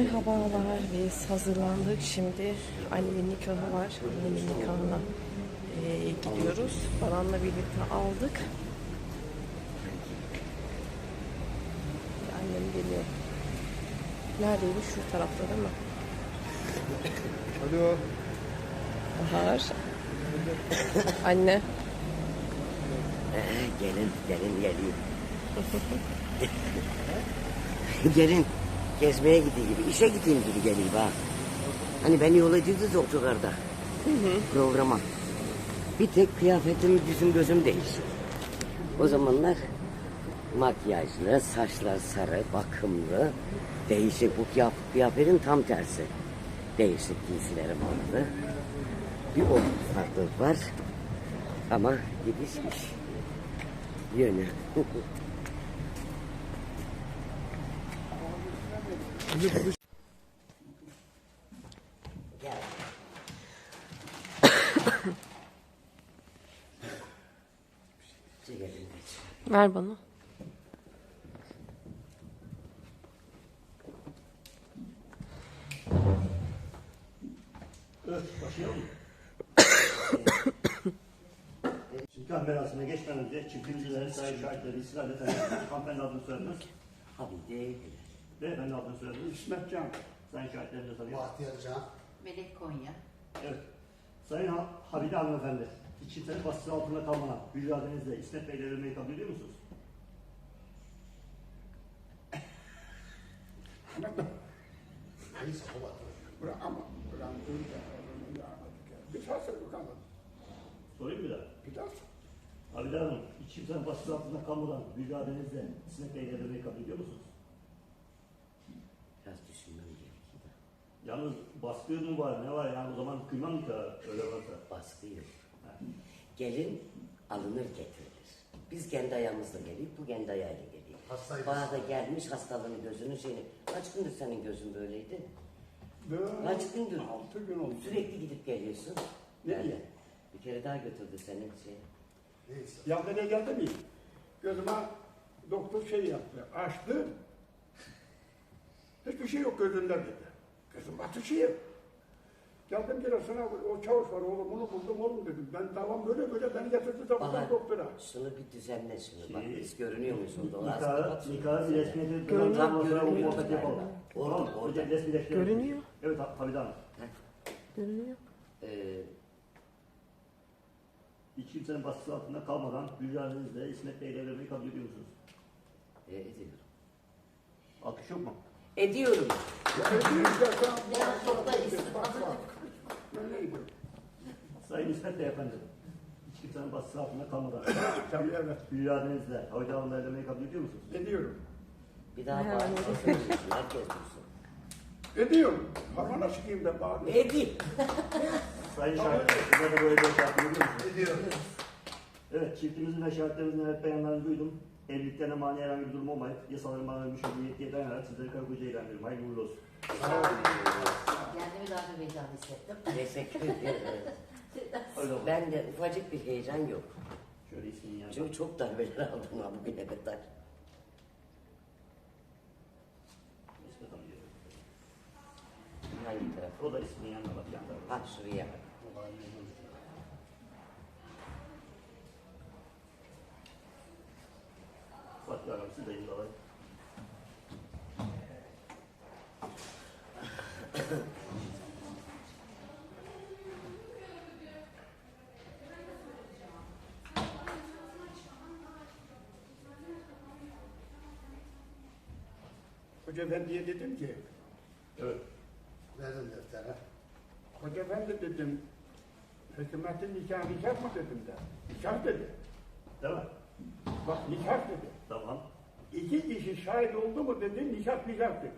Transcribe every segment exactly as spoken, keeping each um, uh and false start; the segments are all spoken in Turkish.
Merhabalar, biz hazırlandık. Şimdi annemin nikahı var. Annemin nikahına e, gidiyoruz. Baran'la birlikte aldık. Annem geliyor. Neredeydi? Şu tarafta değil mi? Alo. Bahar. Anne. Ee, gelin, gelin geliyor. Gelin, gezmeye gideyim gibi, işe gideyim gibi geliyor ha. Hani beni yol ediyordunuz otogarda. Hı hı. Programa. Bir tek kıyafetim, yüzüm, gözüm değişik. O zamanlar makyajlı, saçlar sarı, bakımlı, değişik. Bu kıyafetin tam tersi. Değişik giysilerim vardı. Bir o farklılık var. Ama gidişmiş. Yönü. Gel. Ver bana. Evet, başlayalım mı? Nikah merasimine geçmeden önce çiftliğimizden sahip şahitleri İsrail'de tanıyoruz. Hanımefendi adını soyadınız. Abi değil. Beyefendi adını soyadınız. İsmet Can. Sayın şahitlerini de tanıyoruz. Bahtiyar Can. Melek Konya. Evet. Sayın ha Habide Hanımefendi, iki sene baskısı altında kalmadan mücadelenizle İsmet Bey'le evlenmeyi kabul ediyor musunuz? Neyse baba. Bırak ama bırak dur da bir daha söyle bakalım. Sorayım bir daha. Bir daha söyle. Habide Hanım, iki sene baskısı altında kalmadan mücadelenizle İsmet Bey'le evlenmeyi kabul ediyor musunuz? Biraz düşünmem gerekiyor da. Yalnız baskı mı var, ne var yani o zaman kıymam nikahı öyle varsa. Baskı yok. Gelin alınır getirilir. Biz kendi ayağımızla geliyoruz, bu kendi ayağıyla geliyor. Hastaydı. Bana da gelmiş hastalığını gözünün şeyini. Kaç gündür senin gözün böyleydi? Dört, Kaç gündür? altı gün oldu. Sürekli gidip geliyorsun. Ne Yani diye? bir kere daha götürdü senin şey. Neyse. Ya nereye geldi mi? Gözüme doktor şey yaptı, açtı. Hiçbir şey yok gözünde dedi. Gözüm atışıyor. Geldim Giresun'a, o çavuş var oğlum, onu buldum oğlum dedim. Ben tamam böyle böyle beni getirdi de Bahar, buradan doktora. şunu bir düzenle şimdi. Bak Şey, biz görünüyor muyuz orada? O az Nikahı, kapat. nikahı bir resmiyeti Görünüyor, tamam, sonra görünüyor. muhabbet yapalım. Orada, Tamam, orada. önce resmileştirelim. Görünüyor. Evet Habide Hanım. Görünüyor. Ee, İki kimsenin baskısı altında kalmadan mücadelenizle İsmet Bey'le evlenmeyi kabul ediyor musunuz? e, ediyorum. Alkış yok mu? Ediyorum. Ya ödeyim de sen Biraz çok da bak bak. Ben ne yapayım? Sayın İsmet Bey efendim, hiç kimsenin baskısı altında kalmadan Tabii evet, mücadelenizle Habide Hanım'la evlenmeyi kabul ediyor musunuz? ediyorum. Bir daha Yani. bağırmasın. Herkes duysun. Ediyorum. Hamana çıkayım da bağırıyorum. Edeyim. Sayın şahitler, size de böyle bir şahit ediyor musunuz? Ediyorum. Evet, çiftimizin ve şahitlerimizin evet beyanlarını duydum. Evliliklerine mani herhangi bir durum olmayıp yasaların bana vermiş olduğu yetkiye dayanarak sizleri karı koca ilan ediyorum. Hayırlı uğurlu olsun. Kendimi daha bir heyecan hissettim. Teşekkür ederim. Öyle oldu. Ben de ufacık bir heyecan yok. Şöyle ismini yanına. Çünkü çok darbeler aldım ha bugüne kadar. İsmet Hanım diyor. Hangi taraf? O da ismini yanına bak. Yan tarafa. Ha şuraya bak. Fatih Hanım siz de imzalayın. Hoca efendiye dedim ki, Evet. Verdim deftere. Hoca efendi dedim, hükümetin nikah nikah mı dedim de. Nikah dedi. Değil mi? Bak nikah dedi. Tamam. İki kişi şahit oldu mu dedi, nikah nikah dedi.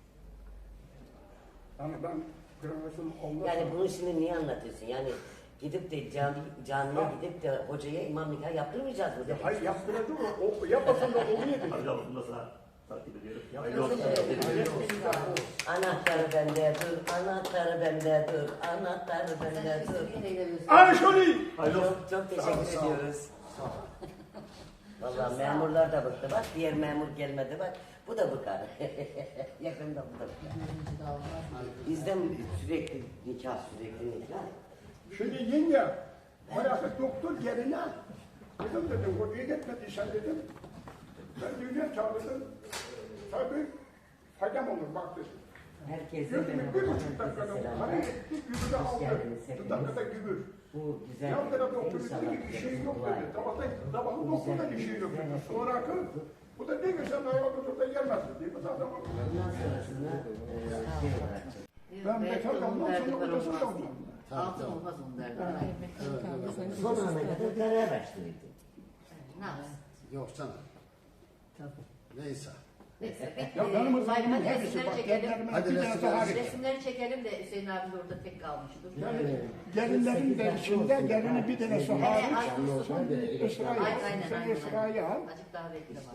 Yani ben kırmızım olmaz. Yani bunu şimdi niye anlatıyorsun? Yani gidip de cami, camiye Ha. gidip de hocaya imam nikah yaptırmayacağız mı? Ya hayır yaptıracak o, o yapmasın da oluyor dedi. Hadi Hanım bunu da sana takip ediyorum. Yapmasın Hayırlı da olsun. oluyor. Nikah olur. Anahtarı bende dur, anahtarı bende dur, anahtarı bende dur. Ay şöyle. Hayırlı olsun. Çok, çok Sağ ol, teşekkür sağ ol. ediyoruz. Sağ ol. Vallahi memurlar da bıktı bak. Diğer memur gelmedi bak. Bu da bıkar. Yakında bu da bıkar. Görünce de olmaz. Bizden sürekli nikah sürekli nikah. Şimdi yenge, bayağı doktor geline, dedim dedim, o iyi gitmediysen dedim, ben düğüne çağırdım, tabii faydam olur bak dedim. Herkese Gözümü merhaba. bir buçuk dakikada Herkese hani selamlar. etti, gübürü Hoş aldı, geldiniz bir hepiniz. dakikada gübür. Bu güzel Yan tarafta doktor inşallah dedi ki bir şey yok dua dedi, edin. tabakta, tabakın Bu doktorda güzel bir şey yok dedi. güzel Sonra akıl, bu da ne güzel ayağı tutup da gelmez dedi. Bu zaten Bundan sonrasında e, şey olarak ben Evet, bekar onun kalmam, derdi sonra var, odasında olmaz. kalmam. Altın olmaz onun derdi. son ana kadar karar araştırıyordum. Ne yapsın? Yok canım. Neyse. Neyse. Ya benim o Hadi zaman hepsi resimleri bak, çekelim. dertlerimin Hadi bir tanesi resimleri hariç. Resimleri çekelim de Hüseyin abi de orada tek kalmıştır. Yani gelinlerin de içinde gelini bir tanesi Hele hariç. ay kurusun. Esra'yı Ay, al, aynen, sen aynen, Esra'yı al. Azıcık daha bekle bak.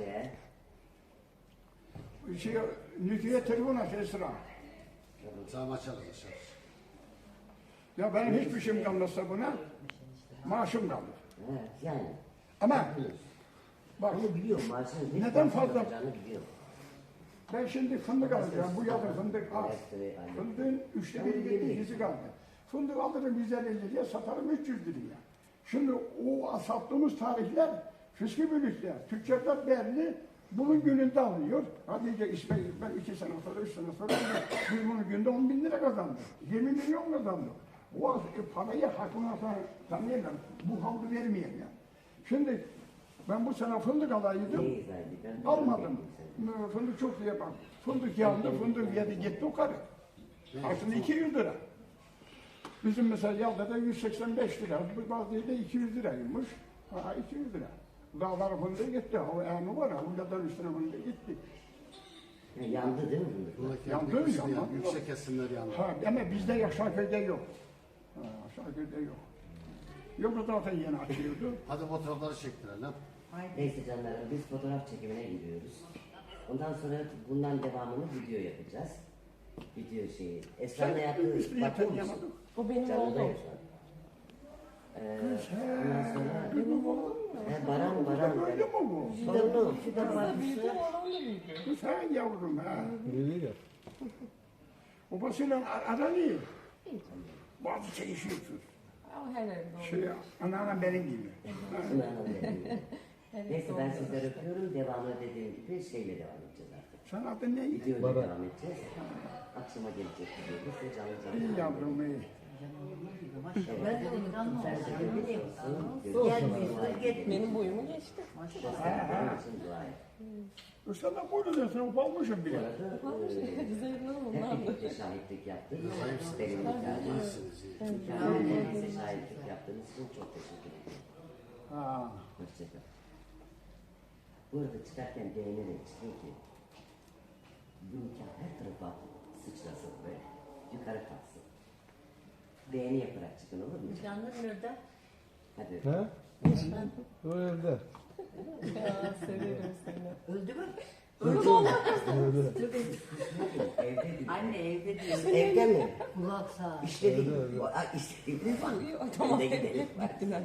İşte Şey, Nütü'ye telefon aç Esra. Tamam açalım dışarı. Ya benim hiçbir şeyim kalmazsa buna, maaşım kalır. evet, yani. Ama bak, Bunu biliyorum maaşını bir Neden fazla fazla? yapacağını biliyorum. ben şimdi fındık alacağım, bu yazın fındık az. Fındığın üçte biri gitti, ikisi kaldı. Fındık alırım yüz elli liraya, satarım üç yüz liraya. Şimdi o sattığımız tarihler, fıskı bölükler, tüccarlar belli, bunun gününde alıyor. Hadi iyice İsmail, ben iki sene sonra, üç sene sonra biz bunun günde on bin lira kazandık. yirmi milyon kazandık. O e, parayı hakkına tanıyamam, bu halde vermeyeyim ya. Şimdi ben bu sene fındık alaydım, Neyiz abi? Ben almadım. Fındık çok diye bak. Fındık yandı, fındık yedi gitti o kadar. Aslında iki yüz lira. Bizim mesela Yalda'da yüz seksen beş lira, bu bazı yerde iki yüz liraymış. Ha iki yüz lira. Dağlar fındığı gitti, o eğimi var ya, Hulyadan üstüne fındığı gitti. E, yandı değil mi fındık? Buradaki Yandı, yandı, kısmı yandı. yandı. Yüksek kesimler yandı. Ha ama bizde Yaşarköy'de yok. Ha, Yaşarköy'de yok. Yok da zaten yeni açıyordu. Hadi fotoğrafları çektirelim. Neyse canlarım biz fotoğraf çekimine gidiyoruz. Ondan sonra bundan devamını video yapacağız. Video şeyi. Esra'nın yaptığı Üstüne bakıyor musun? yatıramadık. Bu benim Canlı oğlum. da Esra. Ee, ondan sonra Benim oğlum. he, Baran Baran. Öyle mi bu? Torunu fidan var. Sen yavrum ha. Babasıyla ar- aranıyor. Bazı çekişiyorsunuz. Şey, anneannem benim gibi. Neyse ben sizleri öpüyorum. Devamı dediğim gibi şeyle devam edeceğiz artık. Sen adın ne? Videoyla devam edeceğiz. Akşama gelecek videomuz ve canlı canlı. İyi yavrum iyi. Ben de delikanlı Sen olsun. de biliyorsun. Gelmiyorsun, gitmiyor. Benim boyumu geçti. Benim için dua et. Sen de buyurun sen ufalmışsın Bu bile. arada e, hep birlikte şahitlik yaptık. Benim nikahıma. Nikahıma hepinize şahitlik yaptığınız için çok teşekkür ederim. Ha. Hoşçakal. Bu arada çıkarken beğenerek çıkın ki bu nikah her tarafa sıçrasın böyle. Yukarı kalksın. Beğeni yaparak çıkın olur mu? Canlı nerede? Hadi. Ha? O evde. Ya severim seni. Öldü mü? Evde değil. Anne evde diyor. Evde mi? Kulak sağ. İşte değil. Aa, İşte değil. Tamam. Evde gidelim. Gittiler.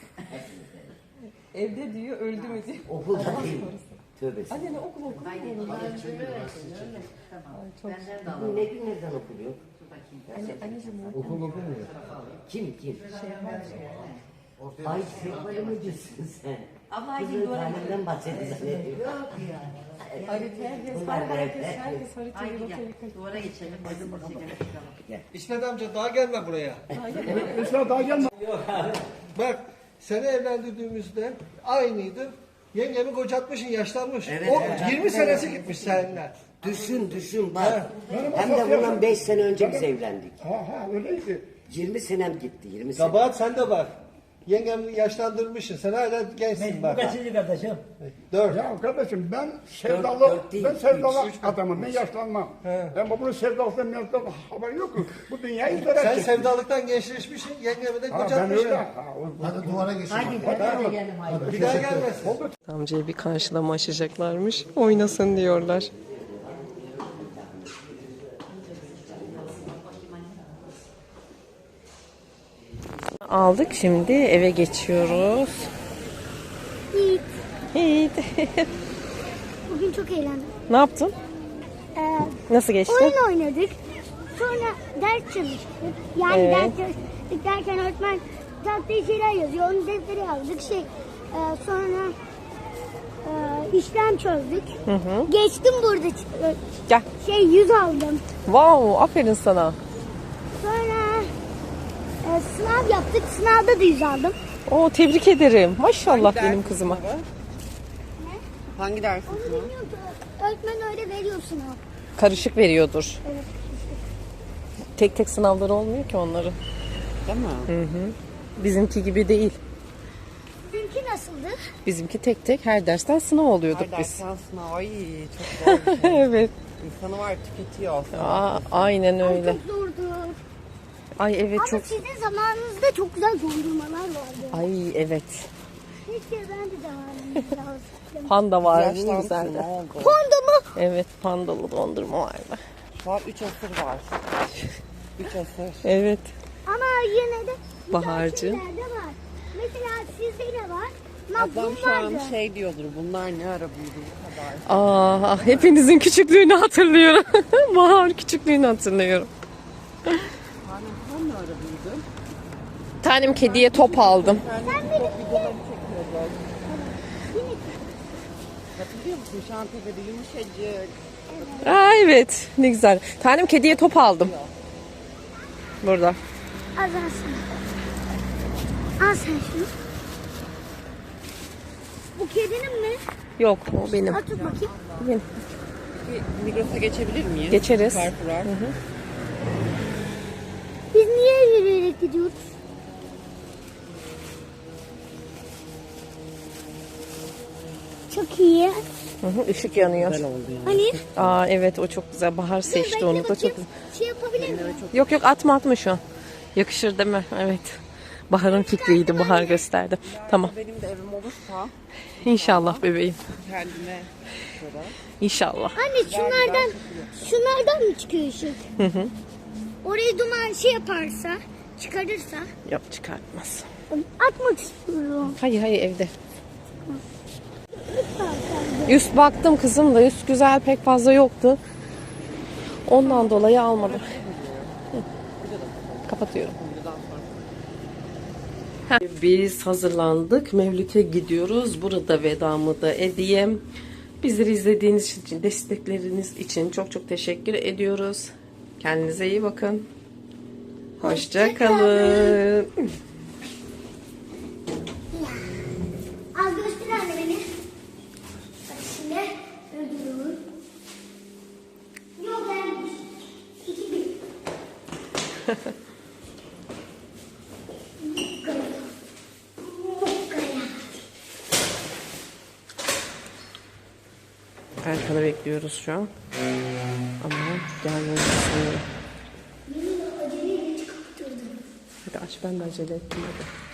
Evde diyor, öldü mü diyor. Okulda değil. Tövbe. Anne ne okul okul. Haydi bunlar öyle. Tamam. Benden de Bu alalım. ne günlerden okuluyor? Dur bakayım. Anne, anneciğim o. Okul okumuyor. Kim kim? Ortaya Ay sevgili mi diyorsun sen? Abla Kızın haydi doğru. talimden bahsediyorsun. Yok yani. Harita herkes, Bunlar bak da herkes, hep- herkes haritayı Haydi rotayı gel. kaçırıyor. Duvara geçelim. Resim çekelim çıkalım. İsmet amca daha gelme buraya. Esra daha gelme. Bak seni evlendirdiğimizde aynıydı. Yengemi kocatmışsın, yaşlanmış. Evet, o evet. yirmi senesi gitmiş seninle. Düşün düşün bak. Benim Hem de asıl bundan yaşım- beş sene önce biz evlendik. Ha ha öyleydi. yirmi senem gitti yirmi sene. Kabahat sende bak. Yengemi yaşlandırmışsın. Sen hala gençsin bak. Kaçıncı kardeşim? Dört. Ya kardeşim ben Dört- sevdalı, dört değil, ben sevdalı üç. adamım, ben yaşlanmam. Ben bunun sevdalısından mevzudan haberi yok mu? Bu dünyayı Sen idare sevdalıktan gençleşmişsin. Yengemi de Ha ben kocatmışsın. öyle. Ha, o- Hadi duvara geçelim. Haydi beraber gelelim haydi. Bir daha gelmesin. Amcayı bir karşılama açacaklarmış. Oynasın diyorlar. Aldık, şimdi eve geçiyoruz. Hiç. Bugün çok eğlendim. Ne yaptın? Ee, Nasıl geçti? oyun oynadık. Sonra ders çalıştık. Yani Evet. ders çalıştık derken öğretmen tahtaya şeyler yazıyor. Onu deftere yazdık. Şey, e, sonra e, işlem çözdük. Geçtim burada. ç- Gel. Şey yüz aldım. Wow, aferin sana. Sonra e, sınav yaptık. Sınavda da yüz aldım. Oo, tebrik ederim. Maşallah benim kızıma. Hangi ders? Onu bilmiyorum ki. Öğretmen öyle veriyor sınav. Karışık veriyordur. Evet. Tek tek sınavları olmuyor ki onların. Değil mi? Bizimki gibi değil. Sizinki nasıldı? Bizimki tek tek her dersten sınav oluyorduk biz. sınav. Ay çok zor bir şey. Evet. İnsanı var tüketiyor. Aa, aynen Ay, öyle. çok zordu. Ay evet Ama çok. sizin zamanınızda çok güzel dondurmalar vardı. Ay evet. Keşke ben de devamını lazım. Panda vardı ne güzeldi. Honda mı? Evet, pandalı dondurma vardı. Şu an üç asır var. üç asır. Evet. Ama yine de güzel Baharcı. şeyler de var. Mesela sizde ne var? Ablam Magnum şu an vardı. şey diyordur. Bunlar ne ara büyüdü bu kadar. Aa, ah, hepinizin küçüklüğünü hatırlıyorum. Bahar küçüklüğünü hatırlıyorum. Annem tam ne ara büyüdü? Tanem kediye top aldım. Sen benim Videoları çekiyordu. Hatırlıyor musun? Şantiyede yumuşacık. Aa, evet ne güzel. Tanem kediye top aldım. Burada. azansın. Al sen şunu. Bu kedinin mi? Yok o benim. Al tut bakayım. Benim. Bir Migros'a geçebilir miyiz? Geçeriz. Carrefour'a. Biz niye yürüyerek gidiyoruz? Çok iyi. Hı hı, ışık yanıyor. Güzel oldu yani. Hani? Aa evet o çok güzel. Bahar seçti Bekle onu da çok bakayım. güzel. Şey yapabilir miyim? Yok yok atma atma şu an. Yakışır değil mi? Evet. Bahar'ın fikriydi. Bahar gösterdi. Tamam. Benim de evim olursa İnşallah bebeğim. kendime göre. İnşallah. Anne şunlardan şunlardan mı çıkıyor ışık? Hı hı. Orayı duman şey yaparsa, çıkarırsa Yok çıkartmaz. atmak istiyorum. Hayır hayır evde. Lütfen sen de. Üst baktım kızım da üst güzel pek fazla yoktu. Ondan dolayı almadım. Hı. Kapatıyorum. Heh, Biz hazırlandık. Mevlüt'e gidiyoruz. Burada vedamı da edeyim. Bizleri izlediğiniz için, destekleriniz için çok çok teşekkür ediyoruz. Kendinize iyi bakın. Hoşça kalın. Al göster anne beni. Bak şimdi öldürüyorum. Yok gelmiş. İki bir. Erkan'ı bekliyoruz şu an. Ama gelmedi sanırım. Yemin aceleyle çıkarttırdım. Hadi aç ben de acele ettim hadi.